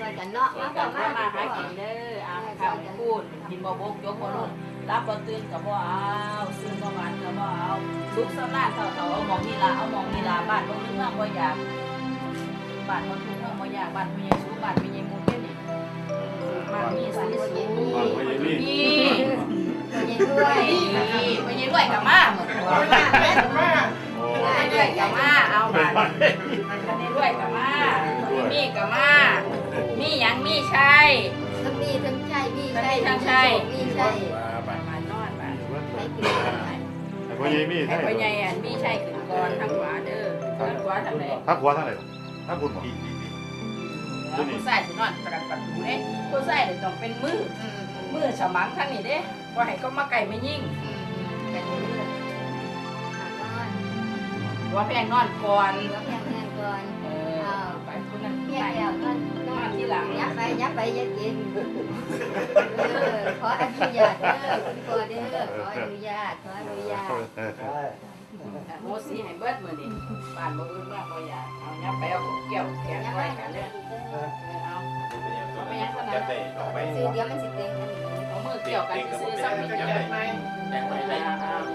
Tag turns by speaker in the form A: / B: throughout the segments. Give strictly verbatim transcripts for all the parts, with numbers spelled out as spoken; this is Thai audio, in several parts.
A: ช่วยกันเนาะมา
B: กัน
A: มา
B: มา
A: มา
B: หากินเด้ออ่ะข้าวพูดกินบ่บกยกบ่ลงรับบ่ตื่นก็บ่เอาซื้อบ่หวานก็บ่เอาลุกสำนานเฒ่าๆเอาหมองนี่ล่ะเอาหมองนี่ล่ะบ้านบ่มีเมืองบ่อยากบ้านบ่ทุกเมืองบ่อยากบ้านผู้ใหญ่สูงบ้านผู้ใหญ่หมู่เป็นนี่บ้านมีสูงสูง
C: บ้านพ่อใหญ่นี่
B: นี่
A: ยินด้วย
B: นี่ไปยืนด้วยกับมาเหมือนกัน
C: โอ้
B: ไปด้วยกับมาเอามาไปด้วยกับมามีกับมามีหยังมีชัย
A: ทั้งมีทั้งใช่มีใช่
B: ทั้งใช่
A: มีใช่
B: มานอนมา
A: ใช่กินกันไหม
C: แต่พ่อใหญ่มี
B: ไอ้
C: ใช่
B: พ่อใหญ่อันมีชัยขึ้นก่อนทางขวาเด้อทางขวาทางไหน
C: ทักหัวทั้งไหนทักบุญบ่
B: ผู้ชายสินอนประกันประตูเด้ผู้ชายเดี๋ยวต้องเป็นมือมือฉมังทางนี้เด้ว่าให้เขามาไก่ไม่ยิ่ง
A: กันอยู่นี่นอน
B: ว่าแพงนอนก่อน
A: แล้วแม่แม่ก่อน
B: เออไปคนนั้น
A: เมีย
B: ไป
A: แล้วนอนนอนที่หลังยับไปยับไปยับกินเออขออนุญาตเด้อคุณพ่อเด้อขออนุญาตขออนุญาต
B: โมสีให้เบิดมื้อนี้บ้านบ่อื่นว่าบ่อยากเอายับไปเอาเกี่ยวแขน
A: ยับ
B: ไว้
A: ไป
B: กัน
A: เล
B: เด้
A: ย
B: อเอา
D: จะได้ออกไป
A: ซื้อเดี๋ยวมันสิเต็งอันนี้
B: เอามือเกี่ยวกันซื้อๆซ้ำอีกจังได๋
D: แจ้งไว้ได้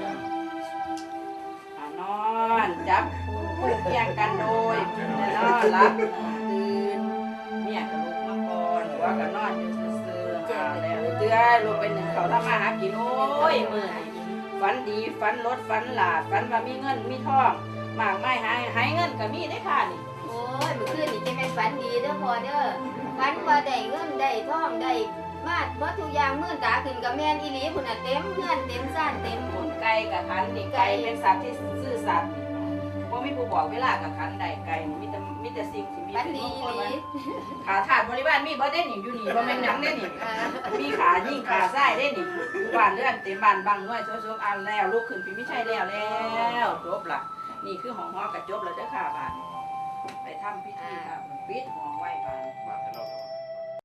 B: อ่านอนจับคู่เคียงกันโดยแน่นอนรับตื่นเมียก็ลุกมาก่อนหัวก็นอนอยู่ซื่อๆเอาแล้วเตื้อลงไปหนึ่งเขาทำมาหากินโอ้ยมื้อฝันดีฝันรถฝันหลาดฝันว่ามีเงินมีทองมากไม่หายหายเงินก็มีได้ค่ะนี่
A: โอ้ยเมื่อคืนนี่จะแม่นฝันดีเด้อพ่อเด้อฝันว่าได้เงินได้ทองได้มาดบ่ทุกอย่างมื่นตาขึ้นกับแม่นอีหลีพุ่นน่ะเต็มเงินเต็มซ่านเต็ม
B: หมุนไก่กับขันนี่ไก่เป็นสัตว์ที่ซื่อสัตย์ว่ามีผู้บอกเวลากับขันใดไก่มีแต่มีแต่สิ่งที่มี
A: ฝัน
B: เป็น
A: ดี
B: มง
A: อี
B: คล
A: หลี
B: ขาถาดบริวารมีบ่ได้หนิอยู่นี่บ่แม่นหยังได้หนิ
A: อ่า
B: มีขายิ่งขาซ้ายได้หนิอยู่บ้านเรือนเต็มบ้านบังน้อยโซๆอันแล้วลูกขึ้นพี่ไม่ใช่แล้วแล้วจบละนี่คือห้องฮอกระจบแล้วเด้อค่ะบ้านไปทำพิธีค่ะปิดห้องไว้บ้าน
C: มาให้เรา